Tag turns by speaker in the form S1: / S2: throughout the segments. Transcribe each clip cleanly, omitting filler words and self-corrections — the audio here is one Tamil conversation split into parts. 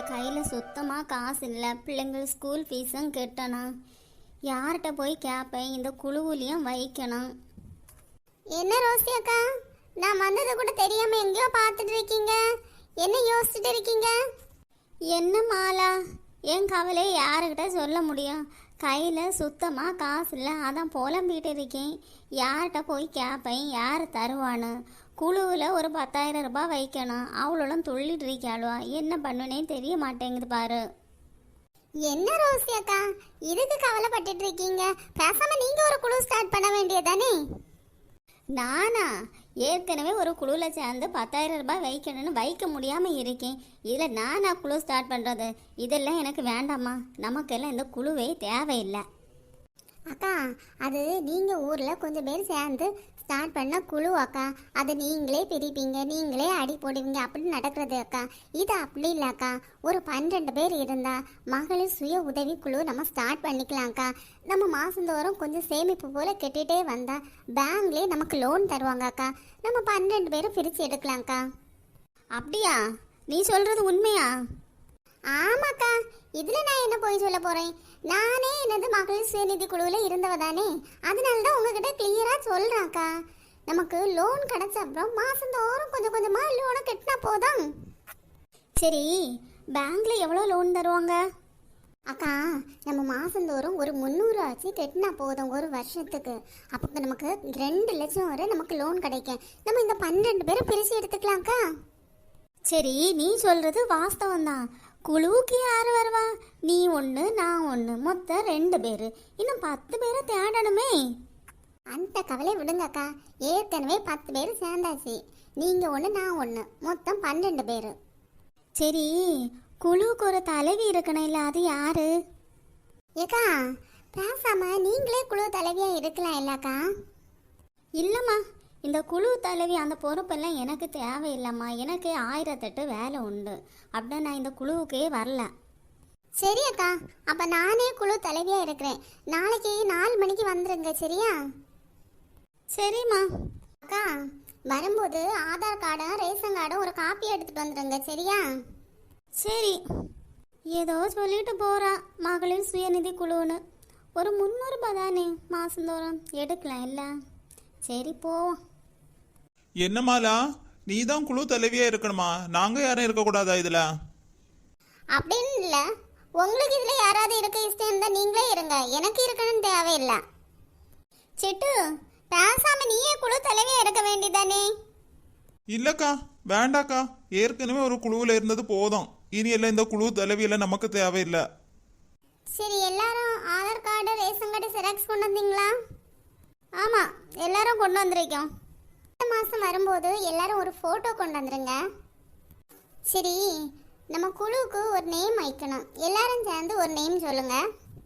S1: கையில் சுத்தமாக காசு இல்லை. பிள்ளைங்கள் ஸ்கூல் ஃபீஸும் கட்டணும். யார்கிட்ட போய் கேட்பேன்? இந்த குழுவுலையும் வைக்கணும்.
S2: என்ன ரோசி அக்கா, நான் வந்ததை கூட தெரியாம எங்கேயோ பார்த்துட்டு இருக்கீங்க. என்ன யோசிச்சுட்டு இருக்கீங்க?
S1: என்ன மாலா, என் கவலையை யாருக்கிட்ட சொல்ல முடியும்? கையில் சுத்தமாக காசு இல்லை, அதான் புலம்பிகிட்டு இருக்கேன். யார்கிட்ட போய் கேட்பேன்? யார் தருவான்னு? குழுவில் ஒரு 10,000 ரூபாய் வைக்கணும். அவ்வளோலாம் துள்ளிட்டு இருக்காளுவா. என்ன பண்ணுனே தெரிய மாட்டேங்குது பாரு.
S2: என்ன ரோசி அக்கா, இதுக்கு கவலைப்பட்டுட்டு இருக்கீங்க? பேசாம நீங்க ஒரு குழு ஸ்டார்ட் பண்ண வேண்டியதானே?
S1: நானா? ஏற்கனவே ஒரு குழுவில் சேர்ந்து 10,000 ரூபாய் வைக்கணும்னு வைக்க முடியாமல் இருக்கேன். இதில் நானா குழு ஸ்டார்ட் பண்ணுறது? இதெல்லாம் எனக்கு வேண்டாம்மா. நமக்கெல்லாம் இந்த குழுவே தேவையில்லை.
S2: அக்கா, அது நீங்க ஊர்ல கொஞ்சம் பேர் சேர்ந்து ஸ்டார்ட் பண்ண குழு அக்கா. அதை நீங்களே பிரிப்பீங்க, நீங்களே அடி போடுவீங்க, அப்படி நடக்கிறது அக்கா. இது அப்படி இல்லை அக்கா. ஒரு 12 பேர் இருந்தா மகளிர் சுய உதவி குழு நம்ம ஸ்டார்ட் பண்ணிக்கலாம்க்கா. நம்ம மாசந்தோறும் கொஞ்சம் சேமிப்பு போல கெட்டிட்டே வந்தா பேங்க்லேயே நமக்கு லோன் தருவாங்க அக்கா. நம்ம 12 பேரும் பிரித்து எடுக்கலாம்க்கா.
S1: அப்படியா? நீ சொல்கிறது உண்மையா?
S2: ஆமாக்கா, இதுல நான் என்ன போய் சொல்ல போறேன்? நானே என்னது மகளிர் சுயநிதி குழுவில் இருந்தவ தானே. அதனால தான் உங்ககிட்ட கிளியரா சொல்றேன்க்கா. நமக்கு லோன் கிடைச்ச அப்புறம் மாசந்தோறும் கொஞ்சம் கொஞ்சமா லோனை கட்டினா போதும்.
S1: சரி, பேங்க்ல எவ்வளோ லோன் தருவாங்க?
S2: அக்கா, நம்ம மாசந்தோறும் ஒரு 300 ஆச்சு கட்டினா போதும் ஒரு வருஷத்துக்கு. அப்போ நமக்கு 2 லட்சம் வரை நமக்கு லோன் கிடைக்கும். நம்ம இந்த 12 பேரை பிரிச்சு எடுத்துக்கலாம்க்கா.
S1: சரி, நீ சொல்றது வாஸ்தவம் தான். குழுவுக்கு யார் வருவா? நீ ஒன்று, நான் ஒன்று, மொத்தம் 2 பேர். இன்னும் 10 பேரை தேடணுமே.
S2: அந்த கவலை விடுங்கக்கா. ஏற்கனவே 10 பேர் சேர்ந்தாச்சு. நீங்க ஒன்று, நான் ஒன்று, மொத்தம் 12 பேர்.
S1: சரி, குழுவுக்கு ஒரு தலைவி இருக்கணும், இல்லை? அது யாரு?
S2: ஏக்கா, பேசாம நீங்களே குழு தலைவியா இருக்கலாம் இல்லக்கா?
S1: இல்லைம்மா, இந்த குழு தலைவி அந்த பொறுப்பெல்லாம் எனக்கு தேவையில்லைம்மா. எனக்கு 1008 வேலை உண்டு. அப்படின்னா நான் இந்த குழுவுக்கே வரல.
S2: சரி அக்கா, அப்ப நானே குழு தலைவியா இருக்கிறேன். நாளைக்கு 4 மணிக்கு வந்துருங்க, சரியா?
S1: சரிம்மா.
S2: அக்கா, வரும்போது ஆதார் கார்டும் ரேஷன் கார்டும் ஒரு காப்பி எடுத்துட்டு வந்துருங்க, சரியா?
S1: சரி. ஏதோ சொல்லிட்டு போறா மகளிர் சுயநிதி குழுன்னு. ஒரு 300 ரூபாய் தானே மாசந்தோறும் எடுக்கலாம் இல்லை? சரி, போவோம்.
S3: என்னமாலா, நீ தான் குழு தலைவியா இருக்கணுமா? நாங்க யாரும் இருக்கக்கூடாதா இதுல?
S2: அப்படின்னு இல்ல, உங்களுக்கு இதுல யாராவது இருக்க இஷ்டம் இருந்தா நீங்களே இருங்க. எனக்கு இருக்கணும்னு தேவையில்லை. சிட்டு, பேசாம நீயே குழு தலைவியா இருக்க வேண்டியதானே?
S3: இல்லக்கா, வேண்டாக்கா. ஏற்கனவே ஒரு குழுவில் இருந்தது போதும். இனி எல்லாம் இந்த குழு தலைவியெல்லாம் நமக்கு தேவையில்லை.
S2: சரி, எல்லாரும் Aadhaar card ration card xerox கொண்டு வந்தீங்களா?
S1: ஆமாம், எல்லாரும் கொண்டு வந்திருக்கோம்.
S2: இந்த மாதம் வரும்போது எல்லாரும் ஒரு ஃபோட்டோ கொண்டு வந்துருங்க. சரி, நம்ம குழுவுக்கு ஒரு நேம் வைக்கணும். எல்லாரும் சேர்ந்து ஒரு நேம் சொல்லுங்க.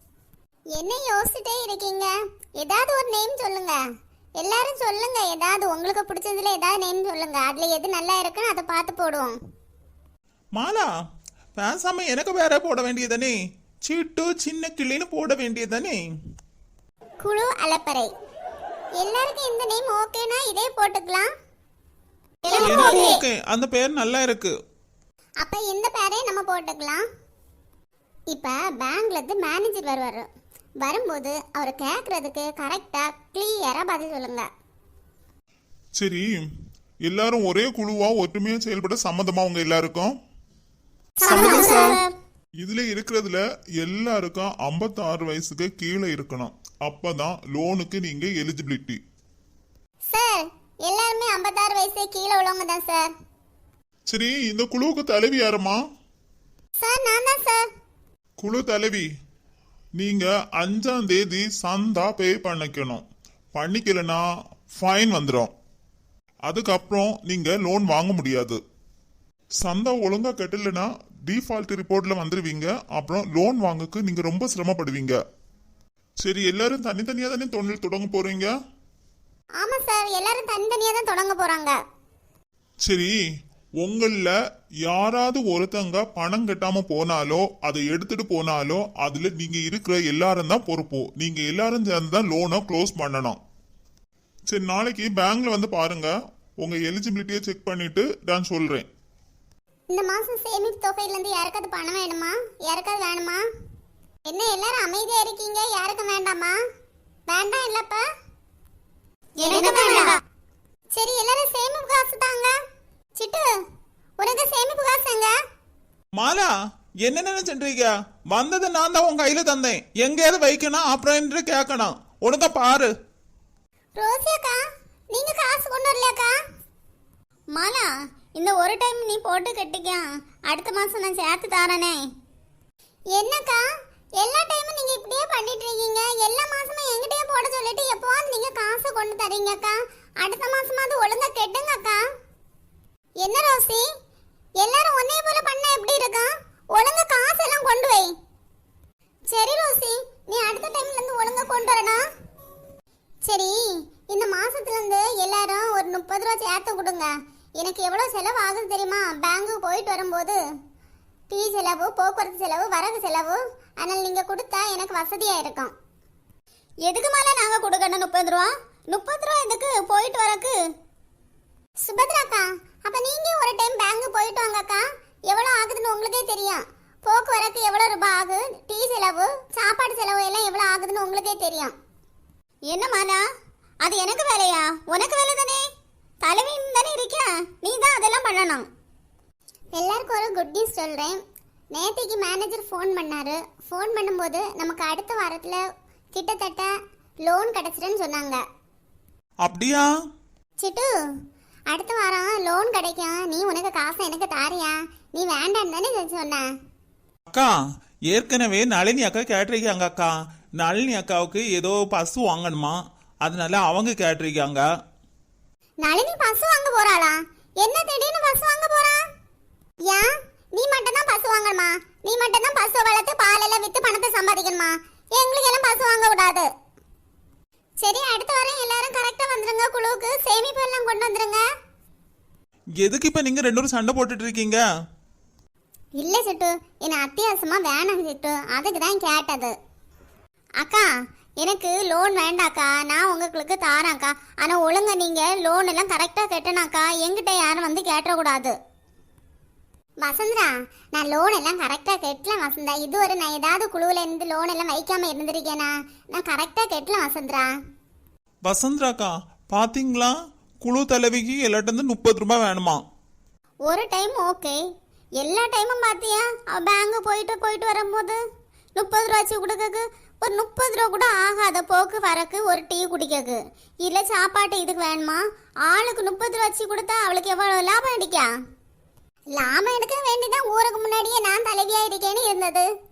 S2: என்ன யோசிச்சுட்டே இருக்கீங்க? ஏதாவது ஒரு நேம் சொல்லுங்க. எல்லாரும் சொல்லுங்க. ஏதாவது உங்களுக்கு பிடிச்சதுல ஏதாவது நேம் சொல்லுங்க. அதுல எது நல்லா இருக்குன்னு அதை பார்த்து போடுவோம்.
S3: மாலா, பேசாம எனக்கு வேற போட வேண்டியதானே? சீட்டு சின்ன கிளின்னு போட வேண்டியதானே?
S2: குழு அலப்பறை. எல்லாருக்கும் இந்த நேம் ஓகேனா இதே போட்டுக்கலாம்.
S3: ஓகே, அந்த பேர் நல்லா இருக்கு.
S2: அப்ப இந்த பேரே நம்ம போட்டுக்கலாம். இப்ப பேங்க்ல இருந்து மேனேஜர் வருவாரு. வரும்போது அவர் கேக்குறதுக்கு கரெக்டா கிளியரா பதில் சொல்லுங்க.
S4: சரி, எல்லாரும் ஒரே குழுவா ஒற்றுமையா செயல்பட சம்மதமா உங்க எல்லாருக்கும்? இதுல இருக்கிறதுல எல்லாருக்கும் 56 வயசுக்கு கீழே இருக்கணும். அப்பதான் லோனுக்கு நீங்க எலிஜிபிலிட்டி.
S2: சார், எல்லாருமே 56 வயசு கீழே உள்ளவங்க தான் சார்.
S4: சரி, இந்த குழுவுக்கு தலைவி யாருமா?
S2: சார், நான் தான் சார்.
S4: குழு தலைவி, நீங்க 5ஆம் தேதி சந்தா பே பண்ணிக்கணும். பண்ணிக்கலனா ஃபைன் வந்துடும். அதுக்கப்புறம் நீங்க லோன் வாங்க முடியாது. சந்தா ஒழுங்கா கட்டலனா டிஃபால்ட் ரிப்போர்ட்ல வந்துருவீங்க. அப்புறம் லோன் வாங்கக்கு நீங்க ரொம்ப சிரமப்படுவீங்க. சரி, எல்லாரும் தனித்தனியா தானே தொழில் தொடங்க போறீங்க?
S2: ஆமா சார், எல்லாரும் தனித்தனியா தான் தொடங்க போறாங்க.
S4: சரி, உங்கள யாராவது ஒருத்தங்க பணம் கட்டாம போனாலோ அதை எடுத்துட்டு போனாலோ அதுல நீங்க இருக்கிற எல்லாரும் தான் பொறுப்பு. நீங்க எல்லாரும் சேர்ந்து தான் லோனை க்ளோஸ் பண்ணணும். சரி, நாளைக்கு பேங்க்ல வந்து பாருங்க. உங்க எலிஜிபிலிட்டியை செக் பண்ணிட்டு நான் சொல்றேன்.
S2: இந்த மாசம் சேமிப்பு தொகையிலேருந்து யாருக்காவது பணம் வேணுமா? யாருக்காவது வேணுமா? என்ன எல்லாரும் அமைதியா இருக்கீங்க? யாருக்கும் வேண்டாமா? வேண்டாம் இல்லப்பா?
S1: எனக்கு வேண்டாம்.
S2: சரி, எல்லாரும் சேமிப்பு காசு தாங்க. சிட்டு, உனக்கு சேமிப்பு காசு எங்க?
S3: மாலா என்ன நினைச்சுன்றீங்க? வந்தது நான் தான் உன் கையில தந்தேன். எங்கேயாவது வைக்கணும் அப்புறம் என்று கேட்கணும். ஒழுங்கா பாரு.
S2: ரோசி அக்கா, நீங்க காசு கொண்டு வரலையாக்கா?
S1: மாலா, இந்த ஒரு டைம் நீ போட்டு கட்டிக்க, அடுத்த மாசம் நான் சேர்த்து தாரனே.
S2: என்னக்கா, எல்லா டைமும் நீங்க இப்படியே பண்ணிட்டு இருக்கீங்க? எல்லா மாசமும் என்கிட்டயே போட சொல்லிட்டு எப்போவாது நீங்க காசு கொண்டு தரீங்கக்கா. அடுத்த மாசமாவது ஒழுங்கா கெட்டுங்க அக்கா. என்ன ரோசி, எல்லாரும் ஒன்னே போல பண்ண எப்படி இருக்கா? ஒழுங்கா காசு எல்லாம் கொண்டு வை. சரி ரோசி, நீ அடுத்த டைம்ல இருந்து ஒழுங்கா கொண்டு வரணும். சரி, இந்த மாசத்துல இருந்து எல்லாரும் ஒரு 30 ரூபா சேர்த்து கொடுங்க. எனக்கு எவ்வளவு செலவு ஆகுது தெரியுமா? பேங்குக்கு போயிட்டு வரும்போது டீ செலவு, போக்குவரத்து செலவு, வரகு செலவு. அதனால நீங்க கொடுத்தா எனக்கு வசதியா இருக்கும்.
S1: எதுக்கு மேல நாங்க கொடுக்கணும் 30 ரூபா? 30 ரூபா எதுக்கு போயிட்டு வரக்கு?
S2: சுபத்ராக்கா, அப்ப நீங்க ஒரு டைம் பேங்க் போயிட்டு வாங்கக்கா. எவ்வளவு ஆகுதுன்னு உங்களுக்கே தெரியும். போக்குவரத்து எவ்வளவு ரூபாய் ஆகுது, டீ செலவு, சாப்பாடு செலவு எல்லாம் எவ்வளவு ஆகுதுன்னு உங்களுக்கே தெரியும்.
S1: என்ன மாலா, அது எனக்கு வேலையா? உனக்கு வேலை தானே, தலைவின்னு தானே இருக்க, நீ தான் அதெல்லாம் பண்ணணும்.
S2: எல்லாருக்கும் ஒரு குட் நியூஸ் சொல்றேன். நேத்திக்கு மேனேஜர் ஃபோன் பண்ணாரு. ஃபோன் பண்ணும்போது நமக்கு அடுத்த வாரத்துல கிட்டத்தட்ட லோன் கிடைச்சிருன்னு சொன்னாங்க.
S3: அப்படியா?
S2: சிட்டு, அடுத்த வாரம் லோன் கிடைக்கும். நீ உனக்கு காசை எனக்கு தாரியா? நீ வேண்டான்னு தானே சொன்ன.
S3: அக்கா, ஏற்கனவே நளினி அக்கா கேட்டிருக்காங்க அக்கா. நளினி அக்காவுக்கு ஏதோ பசு வாங்கணுமா, அதனால அவங்க கேட்டிருக்காங்க.
S2: நளினி பசு வாங்க போறாளா? என்ன திடீர்னு பசு வாங்க போறா? ஏன், நீ மட்டும் தான் பசு வாங்கணுமா? நீ மட்டும் தான் பசு வளர்த்து பாலெல்லாம் வித்து பணத்தை சம்பாதிக்கணுமா? எங்களுக்கு எல்லாம் பசு வாங்க கூடாது. சரி, அடுத்த வாரம் எல்லாரும் கரெக்டா வந்துருங்க. குழுவுக்கு சேமிப்பு எல்லாம் கொண்டு வந்துருங்க.
S3: எதுக்கு இப்ப நீங்க 2 பேரும் சண்டை போட்டுட்டு இருக்கீங்க?
S2: இல்ல சிட்டு, என்ன அத்தியாவசியமா வேணாம் சிட்டு, அதுக்கு தான் கேட்டது.
S1: அக்கா, எனக்கு லோன் வேண்டாக்கா, நான் உங்களுக்கு தாரேன்க்கா. ஆனா ஒழுங்கா நீங்க லோன் எல்லாம் கரெக்டா கட்டணாக்கா. என்கிட்ட யாரும் வந்து கேட்டக்கூடாது.
S2: வசந்தரா, நான் லோன் எல்லாம் கரெக்டா கட்டலாம் வசந்தா. இதுவரை நான் ஏதாவது குழுவுல இருந்து லோன் எல்லாம் வைக்காம இருந்திருக்கேனா? நான் கரெக்டா கட்டலாம் வசந்தரா.
S3: வசந்தராக்கா, பாத்தீங்களா? குழு தலைவிக்கு எல்லாட்ட 30 ரூபாய் வேணுமா?
S1: ஒரு டைம் ஓகே, எல்லா டைமும் பாத்தியா பேங்க் போயிட்டு வரும்போது 30 ரூபாச்சு கொடுக்கக்கு. ஒரு 30 ரூபா கூட ஆகாத போக்கு வரக்கு ஒரு டீ குடிக்கக்கு. இல்ல சாப்பாட்டு இதுக்கு வேணுமா? ஆளுக்கு 30 ரூபாச்சு கொடுத்தா அவளுக்கு எவ்வளவு லாபம் அடிக்கா?
S2: லாபம் எடுக்க வேண்டிதான் ஊருக்கு முன்னாடியே நான் தலைவியா இருக்கேன்னு இருந்தது.